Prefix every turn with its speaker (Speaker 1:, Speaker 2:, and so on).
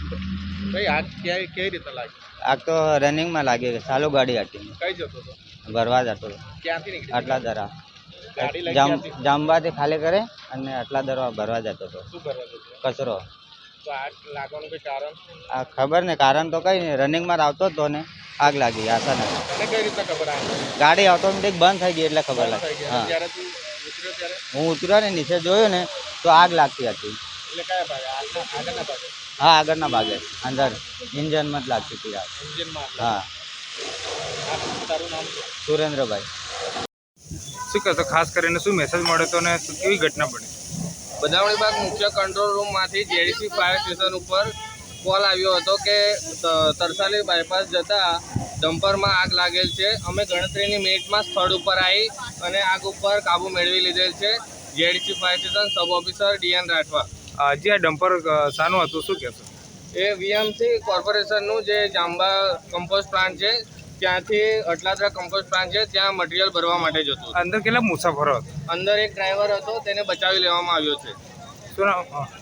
Speaker 1: ભાઈ આગ કેવી રીતે લાગી?
Speaker 2: આગ તો રનિંગમાં લાગી ગઈ, ચાલુ ગાડી હતી,
Speaker 1: કઈ જતો હતો?
Speaker 2: ભરવા જતો હતો.
Speaker 1: ક્યાંથી નીકળી?
Speaker 2: આટલા દરા
Speaker 1: ગાડી લઈ ક્યાંથી?
Speaker 2: જામબાથી ખાલી કરે અને આટલા દરા ભરવા જતો હતો.
Speaker 1: શું કરવા જતો?
Speaker 2: કચરો.
Speaker 1: તો આગ લાગવાનું કોઈ કારણ?
Speaker 2: આ ખબર ને, કારણ તો કઈ નહીં, રનિંગમાં આવતો જ તો ને આગ લાગી અચાનક.
Speaker 1: તને કઈ રીતે ખબર આવી?
Speaker 2: ગાડી ઓટોમેટિક બંધ થઈ ગઈ એટલે ખબર લાગી. હા,
Speaker 1: જ્યારે તું ઉતર્યો ત્યારે
Speaker 2: હું ઉતર્યો ને નીચે જોયું ને તો આગ લાગતી હતી.
Speaker 1: એટલે કયા ભાગે? આગળના ભાગે?
Speaker 2: હા, આગળના ભાગે અંદર ઇન્જનમાં જ લાગતી હતી આગ.
Speaker 1: એન્જિનમાં?
Speaker 2: હા.
Speaker 1: તારું નામ શું?
Speaker 2: સુરેન્દ્રભાઈ.
Speaker 1: શું કહેતો? ખાસ કરીને શું મેસેજ મળ્યો હતો ને કેવી ઘટના બની?
Speaker 3: બદાવણીબાગ મુખ્ય કંટ્રોલ રૂમમાંથી જેડીસી ફાયર સ્ટેશન ઉપર કોલ આવ્યો હતો કે તરસાલી બાયપાસ જતા ડમ્પરમાં આગ લાગેલ છે. અમે ગણતરીની મિનિટમાં સ્થળ ઉપર આવી અને આગ ઉપર કાબૂ મેળવી લીધેલ છે. JDC fire station sub officer DN Rathwa.
Speaker 1: જે આ ડમ્પર શાનું હતું શું કહેશો?
Speaker 3: એ વીએમસી કોર્પોરેશનનું જે જાંબા કમ્પોસ્ટ પ્લાન્ટ છે ત્યાંથી અટલાદરા કમ્પોસ્ટ પ્લાન્ટ છે ત્યાં મટીરિયલ ભરવા માટે જતું.
Speaker 1: અંદર કેટલા મુસાફરો હતા?
Speaker 3: અંદર એક ડ્રાઈવર હતો, તેને બચાવી લેવામાં આવ્યો છે.
Speaker 1: શું નામ?